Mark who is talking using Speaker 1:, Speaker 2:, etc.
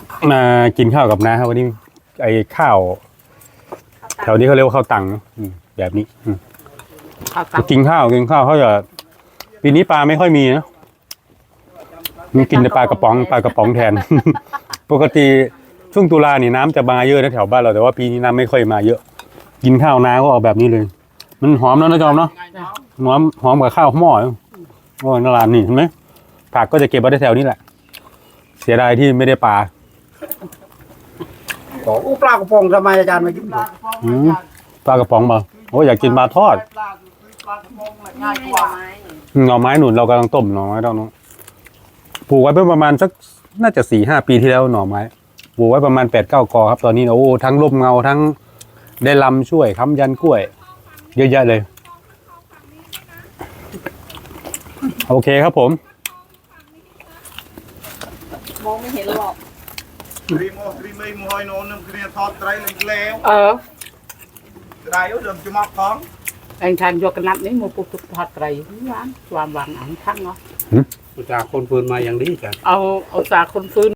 Speaker 1: มากินข้าวกับน้าครับวันนี้ไอ้ข้าวแถวนี้เขาเรียกว่าข้าวตังแบบนี้กินข้าวเขาจะปีนี้ปลาไม่ค่อยมีนะมีกินแต่ปลากระป๋องแทน ปกติช่วงตุลานี่น้ำจะมาเยอะนะแถวบ้านเราแต่ว่าปีนี้น้ำไม่ค่อยมาเยอะกินข้าวน้าก็ออกแบบนี้เลยมันหอมแล้วนะจอมเนาะหอมกับข้าวหม้อโอ้นาลานนี่เห็นไหมผักก็จะเก็บไว้แถวนี้แหละเสียดายที่ไม่ได้ปลา
Speaker 2: ปลากระพงทำไมอาจารย์มากิน
Speaker 1: ปลากระป๋องมาโอ้อยากกินปลาทอดหน่อไม้หนุนเรากำลังต้มหน่อไม้เราเนาะปลูกไว้เพิ่ประมาณสักน่าจะ4-5 ปีที่แล้วหน่อไม้ปลูกไว้ประมาณ8-9 กอครับตอนนี้โอ้ทั้งร่มเงาทั้งได้ลำช่วยค้ำยันกล้วยเยอะแยะเลยโอเคครับผม
Speaker 3: มองไม่เห็นหรอก
Speaker 2: รีไม่มอยโน่นเคลียร์ทอดไตรแล้วไตรเดิมจะมาพร้อม
Speaker 3: ไอ้ทานยกกระนับนี้มันปุ๊บทอดไตรหวานความหวานอันทั้งเนาะ
Speaker 4: จากคนฟืนมาอย่างนี้จ้ะ
Speaker 3: เอาจากคนฟื้น